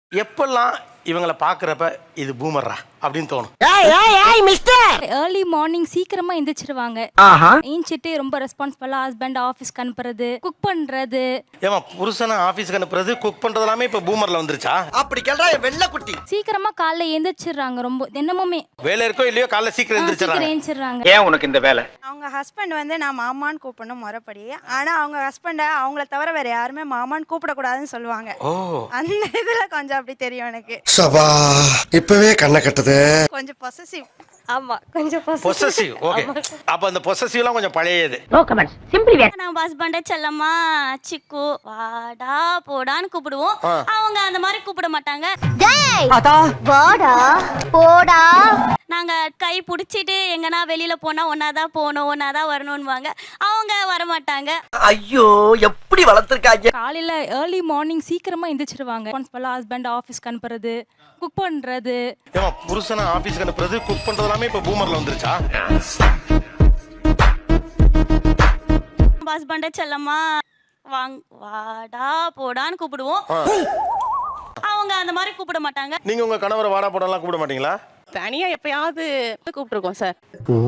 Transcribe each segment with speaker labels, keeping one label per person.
Speaker 1: எப்பெல்லாம் இவங்களை பார்க்குறப்ப இது பூமர்ரா அப்படின்னு தோணும்?
Speaker 2: ஏர்லி மார்னிங் சீக்கிரமா எந்திரிச்சிருவாங்க. ஏஞ்சிட்டு ரொம்ப ரெஸ்பான்சிபிளா ஹஸ்பண்ட் ஆஃபீஸ்க்கு அனுப்புறது, குக் பண்றது.
Speaker 1: ஏமா புருஷனை ஆஃபீஸ்க்கு அனுப்புறது, குக் பண்றது எல்லாமே இப்போ பூமர்ல வந்துருச்சா?
Speaker 3: அப்படி கேள்றா வெள்ளை குட்டி.
Speaker 2: சீக்கிரமா காலைல எந்திரிச்சிடுறாங்க. ரொம்ப தினமுமே
Speaker 1: வேலை இருக்கோ இல்லையோ காலைல சீக்கிரம் எந்திரிச்சிடறாங்க.
Speaker 2: எந்திரிச்சிடுறாங்க.
Speaker 4: ஏன் உனக்கு இந்த வேலை?
Speaker 5: அவங்க ஹஸ்பண்ட் வந்து நான் மாமான்னு கூப்பிடணும் முறைப்படி. ஆனா அவங்க ஹஸ்பண்ட அவங்கள தவிர வேற யாருமே மாமான்னு கூப்பிடக்கூடாதுன்னு சொல்லுவாங்க. அந்த இதுல கொஞ்சம் அப்படி தெரியும் எனக்கு.
Speaker 3: சபா இப்பவே கண்ணை கட்டுது.
Speaker 5: கொஞ்சம் பொசசிவ்.
Speaker 2: ஆமா, கொஞ்சம்
Speaker 1: பொசசிவ். ஓகே, அப்ப அந்த பொசசிவ்லாம் கொஞ்சம் பழையது.
Speaker 6: நம்ம ஹஸ்பண்ட செல்லம்மா சிக்கு வாடா போடான்னு கூப்பிடுவோம். அவங்க அந்த மாதிரி கூப்பிட மாட்டாங்க.
Speaker 7: வாடா போடா.
Speaker 6: நாங்க கை பிடிச்சிட்டு எங்கன்னா வெளியில போனா ஒன்னாதான் போகணும், ஒன்னாதான் வரணும்னுவாங்க. அவங்க வரமாட்டாங்க.
Speaker 3: ஐயோ எப்படி வளர்த்திருக்காங்க.
Speaker 2: காலையில ஏர்லி மார்னிங் சீக்கிரமா எந்திரிச்சிருவாங்க. ரெஸ்பான்சிபிளா ஹஸ்பண்ட் ஆஃபீஸ்க்கு அனுப்புறது, குக் பண்றது.
Speaker 1: ஏமா புருஷனை ஆஃபீஸ்க்கு அனுப்புறது, குக் பண்றது எல்லாமே இப்போ பூமர்ல வந்துருச்சா?
Speaker 6: நம்ம ஹஸ்பண்ட செல்லம்மா வாடா போடான்னு கூப்பிடுவோம். அவங்க அந்த மாதிரி கூப்பிட மாட்டாங்க.
Speaker 1: நீங்க உங்க கணவரை வாடா போடலாம் கூப்பிட மாட்டீங்களா?
Speaker 8: தனியா எப்பயாவது கூப்பிட்டுருக்கோம் சார்.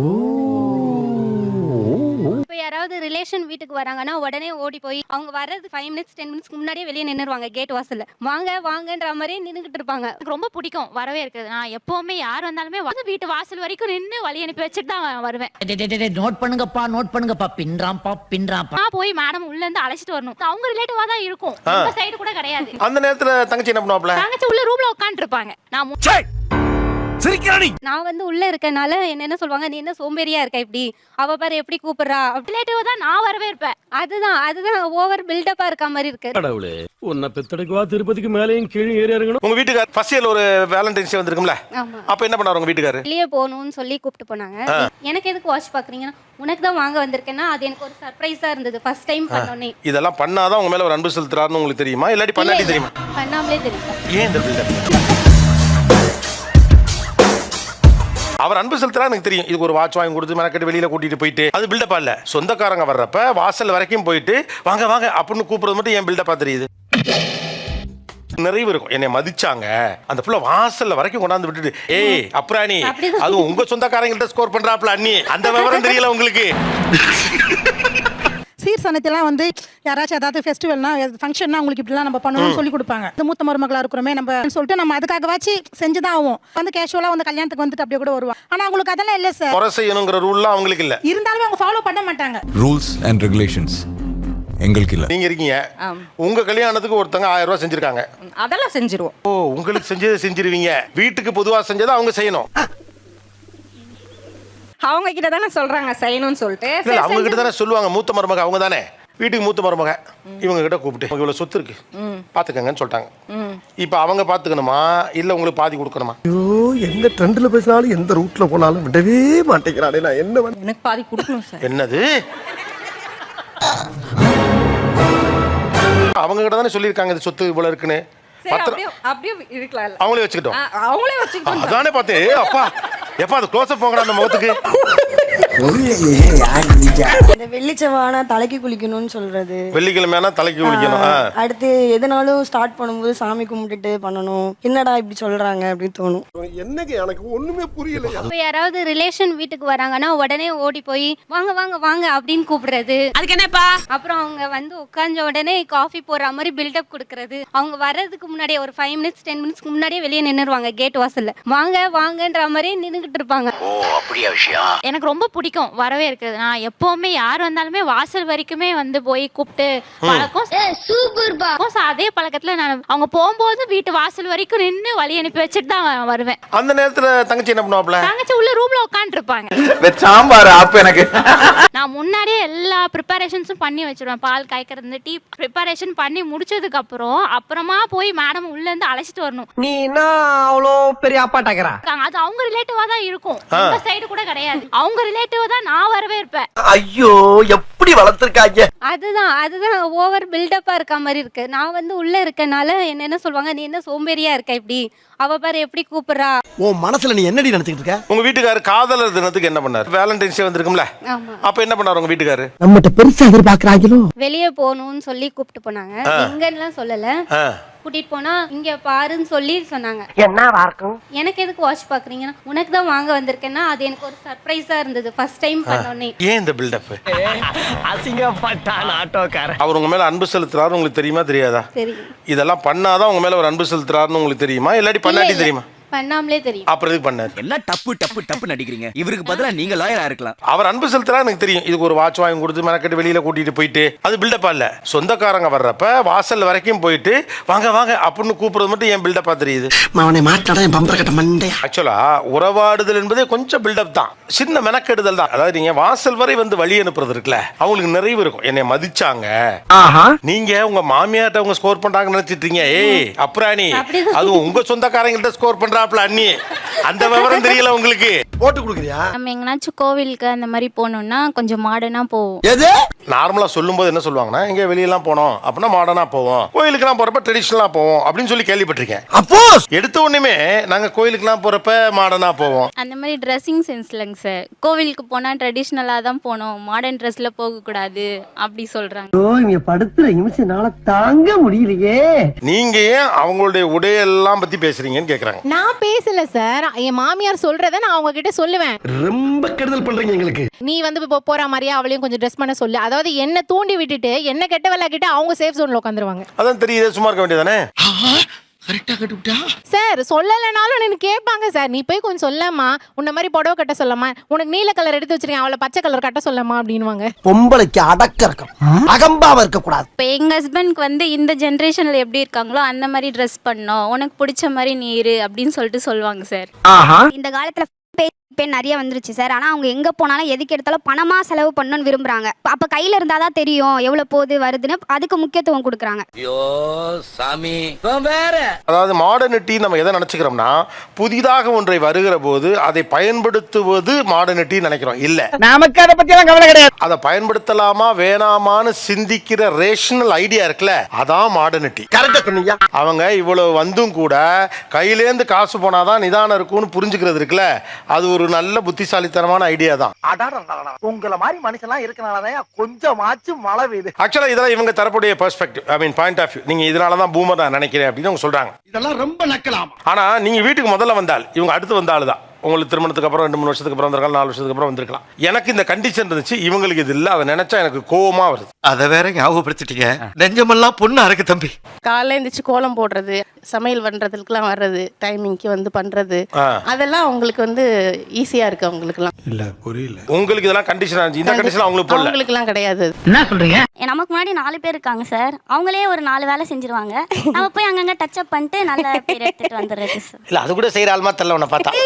Speaker 7: இப்போ யாராவது ரிலேஷன் வீட்டுக்கு வராங்கன்னா உடனே ஓடி போய் அவங்க வர்றது 5 minutes 10 minutes முன்னாடியே வெளியே நின்னுருவாங்க. கேட் வாசல்ல வாங்க வாங்கன்ற மாதிரியே நின்னுகிட்டு இருப்பாங்க.
Speaker 9: எனக்கு ரொம்ப பிடிக்கும் வரவே இருக்குது. நான் எப்பவுமே யார் வந்தாலுமே வந்து வீட்டு வாசல் வரைக்கும் நின்று வழி அனுப்பி வச்சுட்டு தான் வருவேன்.
Speaker 10: நோட் பண்ணுங்கப்பா பின்றாம்பா.
Speaker 9: நான் போய் மேடம் உள்ள இருந்து அழைச்சிட்டு வரணும். அவங்க ரிலேட்டிவா தான் இருக்கும், இந்த சைடு கூட கிடையாது.
Speaker 1: அந்த நேரத்துல தங்கச்சி என்ன பண்ணுவாப்ல?
Speaker 9: தங்கச்சி உள்ள ரூம்ல உட்கார்ந்து இருப்பாங்க.
Speaker 7: நான் வந்து உள்ள இருக்கனால என்ன சொல்லுவாங்க, நீ என்ன சோம்பேறியா இருக்க இப்படி, அவ பாரு எப்படி கூப்பிடுறா.
Speaker 9: ரிலேட்டிவ் தான் நான் வரவே இருப்பேன்.
Speaker 7: அதுதான் ஓவர் பில்டப்பா இருக்க மாதிரி இருக்கு.
Speaker 11: கடவுளே, உன்னை பெத்தடக்குவா திருப்பதிக்கு மேலேயும் கீழே ஏறி இறங்கணும்.
Speaker 1: உங்க வீட்டுக்கார் ஃபர்ஸ்ட் இயர்ல ஒரு வேலண்டைன்ஸ் டே வந்திருக்கும்ல, அப்ப என்ன பண்ணாரு உங்க வீட்டுக்காரர்?
Speaker 7: வெளியே போகணும்னு சொல்லி கூப்பிட்டு போனாங்க. எனக்கு எதுக்கு வாட்ச் பாக்குறீங்கன்னா, உனக்கு தான் வாங்க வந்திருக்கேன்னா அது எனக்கு ஒரு சர்ப்ரைஸா இருந்தது. ஃபர்ஸ்ட் டைம் பண்ணோனே
Speaker 1: இதெல்லாம் பண்ணாதான் உங்க மேல ஒரு அன்பு செலுத்துறாருன்னு உங்களுக்கு தெரியுமா, இல்லாட்டி பண்ணாட்டி தெரியுமா?
Speaker 7: பண்ணாமலே தெரியும்.
Speaker 1: ஏன் இந்த பில்டப்? அவர் அன்பு செலுத்துறா எனக்கு தெரியும். இதுக்கு ஒரு வாட்ச் வாங்கி கொடுத்து மெனக்கெட்டு வெளியில கூட்டிட்டு போயிட்டு அது பில்டப்பா இல்ல. சொந்தக்காரங்க வர்றப்ப வாசல் வரைக்கும் போயிட்டு வாங்க வாங்க அப்படின்னு கூப்பிடுறது மட்டும் ஏன் பில்டப்பா தெரியுது? நிறைவு இருக்கும். என்னை மதிச்சாங்க, அந்த புள்ள வாசல்ல வரைக்கும் கொண்டாந்து விட்டுட்டு ஏய் அப்புறாணி அது உங்க சொந்தக்காரங்கள்ட்ட ஸ்கோர் பண்றாப்ல அண்ணி, அந்த விவரம் தெரியல உங்களுக்கு.
Speaker 12: சீர் சனத்தெல்லாம் வந்து யாராச்சும் ஏதாவது ஃபெஸ்டிவல்னா ஃபங்க்ஷன்னா உங்களுக்கு இப்படிலாம் நம்ம பண்ணணும்னு சொல்லி கொடுப்பாங்க. இந்த மூத்த மருமகளா இருக்கிறோமே நம்ம சொல்லிட்டு நம்ம அதுக்காகவாச்சு செஞ்சுதான் ஆகும். வந்து கேஷுவலா வந்து கல்யாணத்துக்கு வந்துட்டு அப்படியே கூட வருவாங்க. ஆனா அவங்களுக்கு அதெல்லாம் இல்ல சார்.
Speaker 1: முறை செய்யணுங்கிற ரூல்லாம் அவங்களுக்கு இல்ல.
Speaker 12: இருந்தாலும் அவங்க ஃபாலோ பண்ண மாட்டாங்க.
Speaker 13: ரூல்ஸ் அண்ட் ரெகுலேஷன்ஸ் எங்களுக்கு இல்ல.
Speaker 1: நீங்க இருக்கீங்க, உங்க கல்யாணத்துக்கு ஒருத்தங்க 1000 ரூபாய் செஞ்சிருக்காங்க.
Speaker 8: அதெல்லாம் செஞ்சிருவோம்.
Speaker 1: ஓ, உங்களுக்கு செஞ்சதை செஞ்சிருவீங்க. வீட்டுக்கு பொதுவா செஞ்சதை அவங்க செய்யணும்.
Speaker 8: அவங்க கிட்ட தானே சொல்றாங்க செய்யணும்னு சொல்லிட்டு.
Speaker 1: அவங்க கிட்ட தானே சொல்லுவாங்க. மூத்த மருமக அவங்க தானே, வீட்டுக்கு மூத்த மருமக. இவங்க கிட்ட கூப்பிட்டு இவ்வளவு சொத்து இருக்கு பாத்துக்கங்கன்னு சொல்லிட்டாங்க. இப்ப அவங்க பாத்துக்கணுமா இல்ல உங்களுக்கு பாதி கொடுக்கணுமா?
Speaker 3: ஐயோ எந்த ட்ரெண்ட்ல பேசினாலும் எந்த ரூட்ல போனாலும் விடவே மாட்டேங்கிறானே. நான் என்ன
Speaker 8: எனக்கு பாதி கொடுக்கணும் சார்.
Speaker 1: என்னது? அவங்க கிட்ட தானே சொல்லியிருக்காங்க இது சொத்து இவ்வளவு இருக்குன்னு.
Speaker 8: அப்படியே இருக்கலாம்.
Speaker 1: அவங்களே வச்சுக்கிட்டோம்.
Speaker 8: அவங்களே வச்சுக்கிட்டோம்.
Speaker 1: அதானே பார்த்தேன். அப்பா எப்பா அது க்ளோஸ் அப் போங்கடா அந்த முகத்துக்கு.
Speaker 5: இந்த வெள்ளிச்சவானா தலைக்கு குளிக்கணும்னு சொல்றது.
Speaker 1: வெள்ளிக்கிழமைனா தலைக்கு குளிக்கணும்.
Speaker 5: அடுத்து எதனாலும் ஸ்டார்ட் பண்ணும்போது சாமி கும்பிட்டுட்டு பண்ணணும். என்னடா இப்படி சொல்றாங்க அப்படின்னு தோணும்.
Speaker 3: என்னங்க எனக்கு ஒண்ணுமே புரியல.
Speaker 7: இப்போ யாராவது ரிலேஷன் வீட்டுக்கு வராங்கன்னா உடனே ஓடி போய் வாங்க வாங்க வாங்க அப்படின்னு கூப்பிடுறது.
Speaker 8: அதுக்கு என்னப்பா?
Speaker 7: அப்புறம் அவங்க வந்து உட்கார்ந்த உடனே காஃபி போடுற மாதிரி பில்டப் கொடுக்கறது. அவங்க வர்றதுக்கு முன்னாடியே ஒரு 5 minutes 10 minutes முன்னாடியே வெளியே நின்னுருவாங்க. கேட் வாசல்ல வாங்க வாங்கன்ற மாதிரியே நின்னுகிட்டு இருப்பாங்க.
Speaker 4: ஓ அப்படியா விஷயம்?
Speaker 9: எனக்கு ரொம்ப பிடிக்கும் வரவே இருக்குது. நான் எப்பவுமே யார் வந்தாலுமே வாசல் வரைக்குமே வந்து போய் கூப்பிட்டு பழக்கம். அதே பழக்கத்துல நான் அவங்க போகும்போது வீட்டு வாசல் வரைக்கும் நின்று வழி அனுப்பி வச்சுட்டு தான் வருவேன்.
Speaker 1: அந்த நேரத்துல தங்கச்சி என்ன பண்ணுவாப்ல?
Speaker 9: தங்கச்சி உள்ள ரூம்ல உட்கார்ந்து இருப்பாங்க.
Speaker 4: சாம்பார் அப்ப எனக்கு
Speaker 9: நான் முன்னாடியே எல்லா ப்ரிப்பரேஷன்ஸும் பண்ணி வச்சிருவேன். பால் காய்க்கிறது, டீ ப்ரிப்பரேஷன் பண்ணி முடிச்சதுக்கு அப்புறமா போய் மேடம் உள்ள இருந்து அழைச்சிட்டு வரணும்.
Speaker 3: நீ என்ன அவ்வளோ பெரிய அப்பாட்டாக்கிறா?
Speaker 9: அது அவங்க ரிலேட்டிவா தான் இருக்கும், இந்த சைடு கூட கிடையாது. அவங்க ரிலேட்டிவா தான் நான் வரவே இருப்பேன்.
Speaker 3: ஐயோ எப்படி வளர்த்திருக்காங்க.
Speaker 7: அதுதான் ஓவர் பில்டப்பா இருக்க மாதிரி இருக்கு. நான் வந்து உள்ள இருக்கனால என்ன சொல்லுவாங்க, நீ என்ன சோம்பேறியா இருக்க இப்படி, அவ பாரு எப்படி கூப்பிடுறா.
Speaker 3: உன் மனசுல நீ என்னடி நினைச்சிட்டு இருக்க?
Speaker 1: உங்க வீட்டுக்காரர் காதலர் தினத்துக்கு என்ன பண்ணாரு? வேலண்டைன்ஸ் டே வந்திருக்கும்ல, அப்ப என்ன பண்ணாரு உங்க வீட்டுக்காரர்?
Speaker 12: நம்மகிட்ட பெருசா எதிர்பார்க்கறாங்களோ.
Speaker 7: வெளியே போகணும்னு சொல்லி கூப்பிட்டு போனாங்க. எங்கன்னு சொல்லல. கூட்டிட்டு போனா இங்க பாருன்னு சொல்லி சொன்னாங்க.
Speaker 3: என்னவா இருக்கும்?
Speaker 7: எனக்கு எதுக்கு வாட்ச் பாக்குறீங்கன்னா உனக்கு தான் வாங்க வந்திருக்கேன்னா அது எனக்கு ஒரு சர்ப்ரைஸா இருந்தது ஃபர்ஸ்ட் டைம் பண்ணோனே.
Speaker 1: ஏன் இந்த பில்டப்?
Speaker 3: அசிங்கப்பட்டான் ஆட்டோக்காரன்.
Speaker 1: அவர் உங்க மேல அன்பு செலுத்துறாரு உங்களுக்கு தெரியுமா தெரியாதா?
Speaker 7: தெரியும்.
Speaker 1: இதெல்லாம் பண்ணாதான் உங்க மேல ஒரு அன்பு செலுத்துறாருன்னு உங்களுக்கு தெரியுமா இல்லாட்டி பண்ணாட்டி தெரியுமா?
Speaker 7: பண்ணாமலே தெரியும்.
Speaker 1: அப்புறம் எதுக்கு பண்ணாரு?
Speaker 4: எல்லாம் டப்பு டப்பு டப்பு நடிக்கிறீங்க. இவருக்கு பதிலா நீங்க லாயரா இருக்கலாம்.
Speaker 1: அவர் அன்பு செலுத்துறா எனக்கு தெரியும். இதுக்கு ஒரு வாட்ச் வாங்கி கொடுத்து மெனக்கெட்டு வெளியில கூட்டிட்டு போயிட்டு அது பில்டப்பா இல்ல. சொந்தக்காரங்க வர்றப்ப வாசல் வரைக்கும் போயிட்டு வாங்க வாங்க அப்படின்னு கூப்பிடுறது மட்டும் ஏன் பில்டப்பா தெரியுது?
Speaker 3: அவனை மாட்டாடா என் பம்பர கட்ட மண்டே.
Speaker 1: ஆக்சுவலா உறவாடுதல் என்பதே கொஞ்சம் பில்டப் தான், சின்ன மெனக்கெடுதல் தான். அதாவது நீங்க வாசல் வரை வந்து வழி அனுப்புறது இருக்குல்ல, அவங்களுக்கு நிறைவு இருக்கும். என்னை மதிச்சாங்க, நீங்க உங்க மாமியார்ட்ட அவங்க ஸ்கோர் பண்றாங்கன்னு நினைச்சிட்டீங்க. ஏய் அப்புறாணி, அதுவும் உங்க சொந்தக்காரங்கள்ட்ட ஸ்கோர் பண்றாப்ல அண்ணி, அந்த விவரம் தெரியல உங்களுக்கு. போட்டு கொடுக்குறியா?
Speaker 9: நம்ம எங்கனாச்சும் கோவிலுக்கு அந்த மாதிரி போகணும்னா கொஞ்சம் மாடர்னா போவோம்.
Speaker 3: எது
Speaker 1: நார்மலா சொல்லும்போது என்ன சொல்லுவாங்கன்னா, எங்க வெளியெல்லாம் போனோம் அப்படின்னா மாடர்னா போவோம், கோயிலுக்குலாம் போறப்ப ட்ரெடிஷனலா போவோம் அப்படின்னு சொல்லி கேள்விப்பட்டிருக்கேன். அப்போ எடுத்த உடனே நாங்க கோயிலுக்குலாம் போறப்ப மாடர்னா போவோம்.
Speaker 9: அந்த மாதிரி ட்ரெஸ்ஸிங் சென்ஸ் இல்லைங்க சார். கோவிலுக்கு போனா ட்ரெடிஷ்னலாக தான் போகணும், மாடர்ன் ட்ரெஸ்ல போகக்கூடாது அப்படி சொல்றாங்க.
Speaker 3: இங்க படுத்துற நிமிஷம்னால தாங்க முடியலையே.
Speaker 1: நீங்க ஏன் அவங்களுடைய உடையெல்லாம் பத்தி பேசுறீங்கன்னு கேக்குறாங்க.
Speaker 12: நான் பேசல சார், என் மாமியார் சொல்றத நான் அவங்க கிட்ட சொல்லுவேன்.
Speaker 3: ரொம்ப கெடுதல் பண்றீங்க எங்களுக்கு.
Speaker 12: நீ வந்து இப்போ போற மாதிரியா அவளையும் கொஞ்சம் ட்ரெஸ் பண்ண சொல்லு. அதாவது என்ன தூண்டி விட்டுட்டு என்ன கெட்ட வேலை கிட்ட அவங்க சேஃப் ஜோன்ல உட்காந்துருவாங்க.
Speaker 1: அதான் தெரியுது, சும்மா இருக்க வேண்டியதானே.
Speaker 3: கரெக்டா கட்டுவிட்டா
Speaker 12: சார் சொல்லலைனாலும் எனக்கு கேட்பாங்க சார், நீ போய் கொஞ்சம் சொல்லமா, உன்ன மாதிரி புடவை கட்ட சொல்லமா, உனக்கு நீல கலர் எடுத்து வச்சிருக்கேன் அவளை பச்சை கலர் கட்ட சொல்லமா அப்படின்வாங்க.
Speaker 3: பொம்பளைக்கு அடக்க இருக்கும், அகம்பாவ இருக்க கூடாது.
Speaker 9: இப்போ எங்க ஹஸ்பண்ட்க்கு வந்து இந்த ஜென்ரேஷன்ல எப்படி இருக்காங்களோ அந்த மாதிரி ட்ரெஸ் பண்ணோம், உனக்கு பிடிச்ச மாதிரி நீ இரு அப்படின்னு சொல்லிட்டு சொல்லுவாங்க சார்.
Speaker 5: இந்த காலத்துல பேன் நிறைய வந்துருச்சு சார். ஆனா அவங்க எங்க போனாலும் எதுக்கு எடுத்தாலும் பணமா செலவு பண்ணணும்னு விரும்புறாங்க. அப்ப கையில இருந்தாதான் தெரியும் எவ்வளவு போகுது வருதுன்னு, அதுக்கு முக்கியத்துவம் கொடுக்குறாங்க.
Speaker 4: ஐயோ சாமி வேற.
Speaker 1: அதாவது மாடர்னிட்டி நம்ம எதை நினைச்சுக்கிறோம்னா, புதிதாக ஒன்றை வருகிற போது அதை பயன்படுத்துவது மாடர்னிட்டி நினைக்கிறோம். இல்ல,
Speaker 3: நமக்கு அதை பத்தி எல்லாம் கவலை கிடையாது.
Speaker 1: அதை பயன்படுத்தலாமா வேணாமான்னு சிந்திக்கிற ரேஷனல் ஐடியா இருக்குல்ல, அதான் மாடர்னிட்டி.
Speaker 3: கரெக்டா சொன்னீங்க.
Speaker 1: அவங்க இவ்வளவு வந்தும் கூட கையிலேந்து காசு போனாதான் நிதானம் இருக்கும்னு புரிஞ்சுக்கிறது இருக்குல்ல, அது ஒரு நல்ல புத்திசாலித்தனமான ஐடியா தான்.
Speaker 3: உங்கள மாதிரி மனுஷன்லாம் இருக்கனாலதான் கொஞ்சமாச்சும் மழை பெய்யுது.
Speaker 1: ஆக்சுவலா இதெல்லாம் இவங்க தரக்கூடிய perspective, I mean point of view. நீங்க இதனாலதான் பூமர் நான் நினைக்கிறேன் அப்படின்னு அவங்க சொல்றாங்க.
Speaker 3: இதெல்லாம் ரொம்ப நக்கலாம்.
Speaker 1: ஆனா நீங்க வீட்டுக்கு முதல்ல வந்தால் இவங்க அடுத்து வந்த ஆளு தான். உங்களுக்கு திருமணத்துக்கு அப்புறம் 2-3 வருஷத்துக்கு அப்புறம் வந்திருக்கலாம், 4 வருஷத்துக்கு அப்புறம் வந்திருக்கலாம். எனக்கு இந்த கண்டிஷன் இருந்துச்சு, இவங்களுக்கு இது இல்லை. அதை நினைச்சா எனக்கு கோவமா வருது.
Speaker 3: அதை வேற ஞாபகப்படுத்திட்டீங்க. நெஞ்சமெல்லாம் பொண்ணு அறக்கு தம்பி.
Speaker 8: காலைல எழுந்திரிச்சு கோலம் போடுறது, சமையல் பண்றதுக்குலாம் வர்றது, டைமிங்க்கு வந்து பண்றது, அதெல்லாம் அவங்களுக்கு வந்து ஈஸியா இருக்கு அவங்களுக்குலாம்.
Speaker 1: இல்ல புரியல. உங்களுக்கு இதெல்லாம் கண்டிஷன் இருந்துச்சு, இந்த கண்டிஷன் அவங்களுக்கு போடல.
Speaker 8: அவங்களுக்குலாம் கிடையாது.
Speaker 3: என்ன சொல்றீங்க?
Speaker 6: நமக்கு முன்னாடி 4 பேர் இருக்காங்க சார், அவங்களே ஒரு 4 வேலை செஞ்சிருவாங்க. நம்ம போய் அங்கங்க டச் அப் பண்ணிட்டு நல்ல பேர் எடுத்துட்டு வந்துடுறது சார்.
Speaker 1: இல்ல அது கூட செய்யற ஆள்மா தெரியல உன்னை பார்த்தா.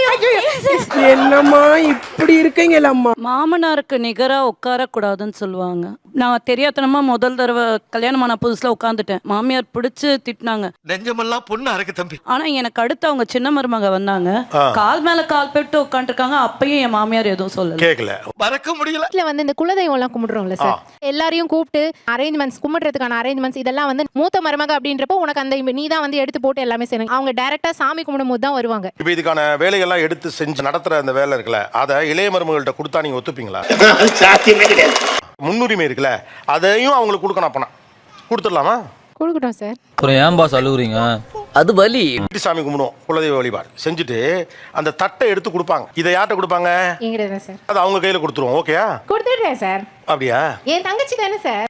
Speaker 3: என்னம்மா இப்படி இருக்கீங்களா அம்மா?
Speaker 8: மாமனாருக்கு நிகரா உட்கார கூடாதுன்னு சொல்லுவாங்க. நான் தெரியாதனமா முதல் தடவை கல்யாணமான புதுசுல உட்காந்துட்டேன். மாமியார் பிடிச்சு திட்டினாங்க.
Speaker 3: நெஞ்சமெல்லாம் பொண்ணு அறக்கு தம்பி.
Speaker 8: ஆனா எனக்கு அடுத்து அவங்க சின்ன மருமக வந்தாங்க, கால் மேல கால் போட்டு உட்காந்துருக்காங்க. அப்பயும் என் மாமியார் எதுவும் சொல்லல,
Speaker 1: கேட்கல,
Speaker 3: மறக்க முடியல.
Speaker 12: வீட்டுல வந்து இந்த குலதெய்வம் எல்லாம் கும்பிடுறோம்ல சார், எல்லாரையும் கூப்பிட்டு அரேஞ்ச்மெண்ட்ஸ், கும்பிடுறதுக்கான அரேஞ்ச்மெண்ட்ஸ் இதெல்லாம் வந்து மூத்த மருமக அப்படின்றப்போ உனக்கு அந்த நீ தான் வந்து எடுத்து போட்டு எல்லாமே செய்யணும். அவங்க டைரக்டா சாமி கும்பிடும் போது தான் வருவாங்க.
Speaker 1: இப்ப இதுக்கான வேலைகள்லாம் எடுத்து செஞ்சு நடத்துற அந்த வேலை இருக்குல்ல, அதை இளைய மருமகள்கிட்ட கொடுத்தா நீங்க ஒத்துப்பீங்களா?
Speaker 3: சாத்தியமே கிடையாது.
Speaker 1: முன்னுரிமை இருக்குல்ல, அதையும் அவங்களுக்கு கொடுக்கணும். அப்பனா கொடுத்துடலாமா?
Speaker 12: கொடுக்கட்டும் சார்.
Speaker 11: அப்புறம் ஏன் பாஸ் அழுகுறீங்க? அது வலி.
Speaker 1: சாமி கும்பிடுவோம், குலதெய்வ வழிபாடு செஞ்சுட்டு அந்த தட்டை எடுத்து கொடுப்பாங்க. இதை யார்கிட்ட கொடுப்பாங்க?
Speaker 12: எங்கிட்ட சார்.
Speaker 1: அது அவங்க கையில கொடுத்துருவோம். ஓகேயா?
Speaker 12: கொடுத்துடுறேன் சார்.
Speaker 1: அப்படியா?
Speaker 12: என் தங்கச்சி தானே சார்.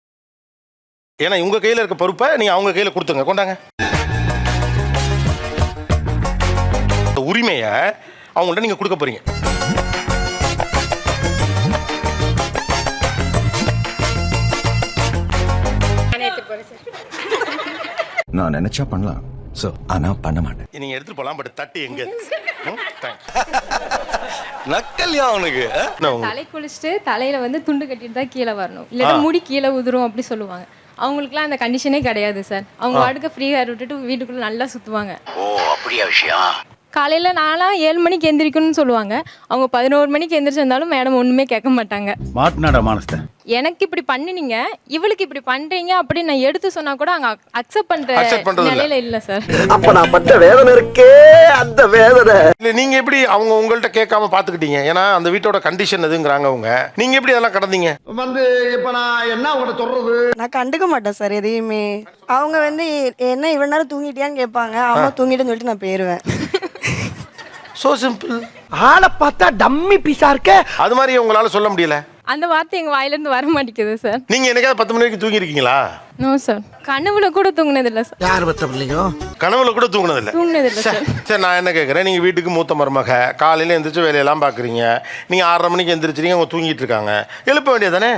Speaker 1: ஏன்னா உங்க கையில இருக்க பொறுப்பை நீங்க அவங்க கையில கொடுத்துங்க. கொண்டாங்க. உரிமையை அவங்கள்ட்ட நீங்க கொடுக்க போறீங்க.
Speaker 13: நான் நினைச்சா பண்ணலாம் சார், ஆனா பண்ண மாட்டேன்.
Speaker 1: நீங்க எடுத்துட்டு போலாம், பட் தட்டி எங்க? நக்கல்யா அவனுக்கு.
Speaker 8: தலை குளிச்சுட்டு தலையில வந்து துண்டு கட்டிட்டு தான் கீழே வரணும், இல்லைன்னா முடி கீழே உதிரும் அப்படி சொல்லுவாங்க. அவங்களுக்குலாம் அந்த கண்டிஷனே கிடையாது சார். அவங்க வாட்டுக்கு ஃப்ரீ ஹேர் விட்டுட்டு வீட்டுக்குள்ள நல்லா சுத்துவாங்க.
Speaker 4: ஓ அப்படியா விஷயம்?
Speaker 8: காலையில நான்லாம் 7 மணிக்கு எந்திரிக்கணும்னு சொல்லுவாங்க. அவங்க 11 மணிக்கு எந்திரிச்சிருந்தாலும் மேடம் ஒண்ணுமே கேட்க மாட்டாங்க.
Speaker 11: மாட்டினாடா மானஸ்தன்.
Speaker 8: எனக்கு இப்படி பண்ணினீங்க இவளுக்கு இப்படி பண்றீங்க அப்படின்னு நான் எடுத்து சொன்னா கூட அங்க அக்செப்ட்
Speaker 1: Accept
Speaker 8: பண்ற
Speaker 1: பண்றது இல்ல.
Speaker 8: நிலையில இல்ல சார்.
Speaker 3: அப்ப நான் பட்ட வேதனை இருக்கே அந்த வேதனை.
Speaker 1: இல்ல நீங்க எப்படி அவங்க உங்கள்ட்ட கேட்காம பாத்துக்கிட்டீங்க? ஏன்னா அந்த வீட்டோட கண்டிஷன் எதுங்கறாங்க அவங்க. நீங்க எப்படி அதெல்லாம் கடந்தீங்க?
Speaker 3: வந்து இப்ப நான் என்ன உங்கள்ட்ட சொல்றது?
Speaker 14: நான் கண்டுக்க மாட்டேன் சார் எதையுமே. அவங்க வந்து என்ன இவ்வளவு நேரம் தூங்கிட்டியான்னு கேட்பாங்க. அம்மா தூங்கிட்டேன்னு சொல்லிட்டு நான் போயிருவேன்.
Speaker 1: So simple.
Speaker 3: ஆளை பார்த்தா டம்மி பீஸா இருக்க.
Speaker 1: அது மாதிரி உங்களால சொல்ல முடியல.
Speaker 8: அந்த வார்த்தை எங்க வாயில இருந்து வர மாட்டேங்குது சார்.
Speaker 1: நீங்க என்னைக்காவது 10 மணி வரைக்கும் தூங்கி இருக்கீங்களா?
Speaker 8: No sir. கனவுல கூட தூங்குனது இல்ல சார்.
Speaker 3: யார் பத்த பிள்ளையோ?
Speaker 1: கனவுல கூட தூங்குனது இல்ல.
Speaker 8: தூங்குனது இல்ல சார்.
Speaker 1: சரி நான் என்ன கேட்குறேன், நீங்கள் வீட்டுக்கு மூத்த மருமக, காலையில் எந்திரிச்சு வேலையெல்லாம் பார்க்குறீங்க, நீங்கள் 6:30 மணிக்கு எந்திரிச்சிருங்க, அவங்க தூங்கிட்டு இருக்காங்க, எழுப்ப வேண்டியதானே?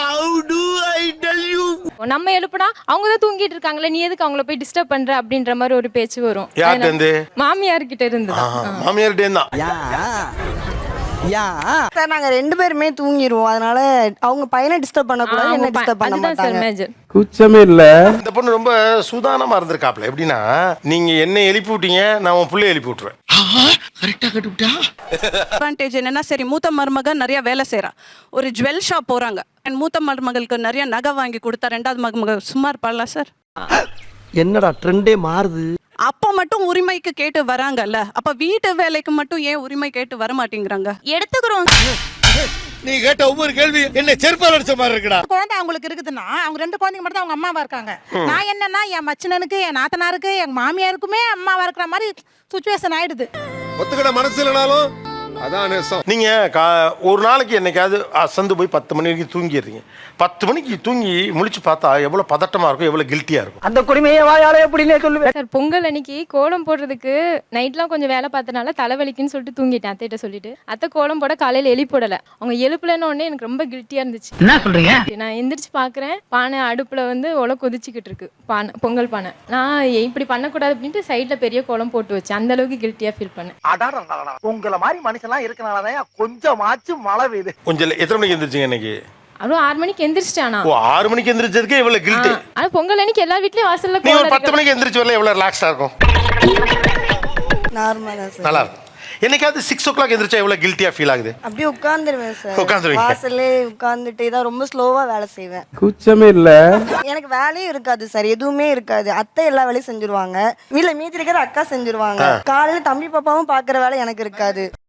Speaker 8: நம்ம எழுப்புனா அவங்க தான் தூங்கிட்டு இருக்காங்களே, நீ எதுக்கு அவங்கள போய் டிஸ்டர்ப் பண்ற அப்படின்ற மாதிரி ஒரு பேச்சு வரும்.
Speaker 1: யார்கிட்ட இருந்து?
Speaker 8: மாமியார் கிட்ட இருந்து.
Speaker 1: மாமியார்கிட்டே தான்.
Speaker 14: சார் நாங்க 2 பேருமே தூங்கிடுவோம். அதனால அவங்க பையனை டிஸ்டர்ப் பண்ணக்கூடாது, என்ன டிஸ்டர்ப் பண்ண
Speaker 8: அதுதான் சார்
Speaker 14: மாட்டாங்க.
Speaker 8: மேஜர்.
Speaker 3: குச்சமே இல்ல.
Speaker 1: இந்த பொண்ணு ரொம்ப சூதானமா இருந்திருக்காப்ல. எப்படின்னா, நீங்க என்ன எழுப்பி விட்டீங்க, நான் உன் பிள்ளைய எழுப்பி விட்டுருவேன்.
Speaker 3: கரெக்டா கட்டுப்பிட்டா.
Speaker 15: அட்வான்டேஜ் என்னன்னா, சரி மூத்த மருமக நிறைய வேலை செய்றா, ஒரு ஜுவல் ஷாப் போறாங்க, மூத்த மருமகளுக்கு நிறைய நகை வாங்கி கொடுத்தா 2வது மருமக சும்மா இருப்பாளா சார்?
Speaker 3: என்னடா ட்ரெண்டே மாறுது.
Speaker 15: அப்ப மட்டும் உரிமைக்கு கேட்டு வராங்கல்ல, அப்ப வீட்டு வேலைக்கு மட்டும் ஏன் உரிமை கேட்டு வர மாட்டேங்கிறாங்க?
Speaker 6: எடுத்துக்கிறோம்.
Speaker 3: நீ கேட்ட ஒவ்வொரு கேள்வி என்ன செருப்பால் அடிச்ச மாதிரி இருக்குடா.
Speaker 12: குழந்தை அவங்களுக்கு இருக்குதுன்னா அவங்க 2 குழந்தைங்க மட்டும் தான் அவங்க அம்மாவா இருக்காங்க. நான் என்னன்னா என் மச்சனனுக்கு, என் நாத்தனாருக்கு, என் மாமியாருக்குமே அம்மாவா இருக்கிற மாதிரி சுச்சுவேஷன் ஆயிடுது.
Speaker 3: ஒத்துக்கிட மனசு இல்லனாலும் அதான் நேசம்.
Speaker 1: நீங்க ஒரு நாளைக்கு என்னைக்காவது அசந்து போய் 10 மணி வரைக்கும் தூங்கிடுறீங்க. 10 மணிக்கு தூங்கி முழிச்சு பார்த்தா எவ்வளவு பதட்டமா இருக்கும், எவ்வளவு கில்ட்டியா இருக்கும்.
Speaker 12: அந்த குடிமையை வாயாலே எப்படின்னே சொல்லுவேன்
Speaker 8: சார். பொங்கல் அன்னைக்கு கோலம் போடுறதுக்கு நைட்லாம் கொஞ்சம் வேலை பார்த்தனால தலைவலிக்குன்னு சொல்லிட்டு தூங்கிட்டேன் அத்தைகிட்ட சொல்லிட்டு. அத்தை கோலம் போட காலையில எழுப்பிடல. அவங்க எழுப்பலன்னு உடனே எனக்கு ரொம்ப கில்ட்டியா இருந்துச்சு.
Speaker 10: என்ன சொல்றீங்க?
Speaker 8: நான் எந்திரிச்சு பாக்குறேன், பானை அடுப்புல வந்து உலை கொதிச்சுக்கிட்டு இருக்கு, பானை பொங்கல் பானை. நான் இப்படி பண்ணக்கூடாது அப்படின்ட்டு சைட்ல பெரிய கோலம் போட்டு வச்சேன். அந்த அளவுக்கு கில்ட்டியா ஃபீல் பண்ணேன்.
Speaker 3: உங்களை மாதிரி மனுஷன்லாம் இருக்கனாலதான் கொஞ்சமாச்சும் மழை பெய்யுது.
Speaker 1: கொஞ்சம் எத்தனை மணிக்கு எந்திரிச்சிங்க இன்னைக்கு?
Speaker 8: அதுவும் 6 மணிக்கு எந்திரிச்சிட்டானா?
Speaker 1: ஓ 6 மணிக்கு எந்திரிச்சதுக்கே இவ்வளவு கில்ட்டி.
Speaker 8: ஆனா பொங்கல் அன்னைக்கு எல்லா வீட்லயும் வாசல்ல
Speaker 1: நீ ஒரு
Speaker 8: கோலம்
Speaker 1: 10 மணிக்கு எந்திரிச்சு வரல எவ்வளவு ரிலாக்ஸா இருக்கும்?
Speaker 14: நார்மலா சார்.
Speaker 1: நல்லா இருக்கும். என்னைக்காவது 6 o'clock எந்திரிச்சா எவ்வளவு கில்ட்டியா ஃபீல் ஆகுது?
Speaker 14: அப்படியே உட்கார்ந்துருவேன் சார்.
Speaker 1: உட்கார்ந்துருவீங்க.
Speaker 14: வாசல்லே உட்கார்ந்துட்டே தான் ரொம்ப ஸ்லோவா வேலை செய்வேன்.
Speaker 3: குச்சமே இல்ல.
Speaker 14: எனக்கு வேலையும் இருக்காது சார், எதுவுமே இருக்காது. அத்தை எல்லா வேலையும் செஞ்சிருவாங்க, வீட்டுல மீதி இருக்கிற அக்கா செஞ்சிருவாங்க. காலையில தம்பி பாப்பாவும் பாக்குற வேலை எனக்கு இருக்காது.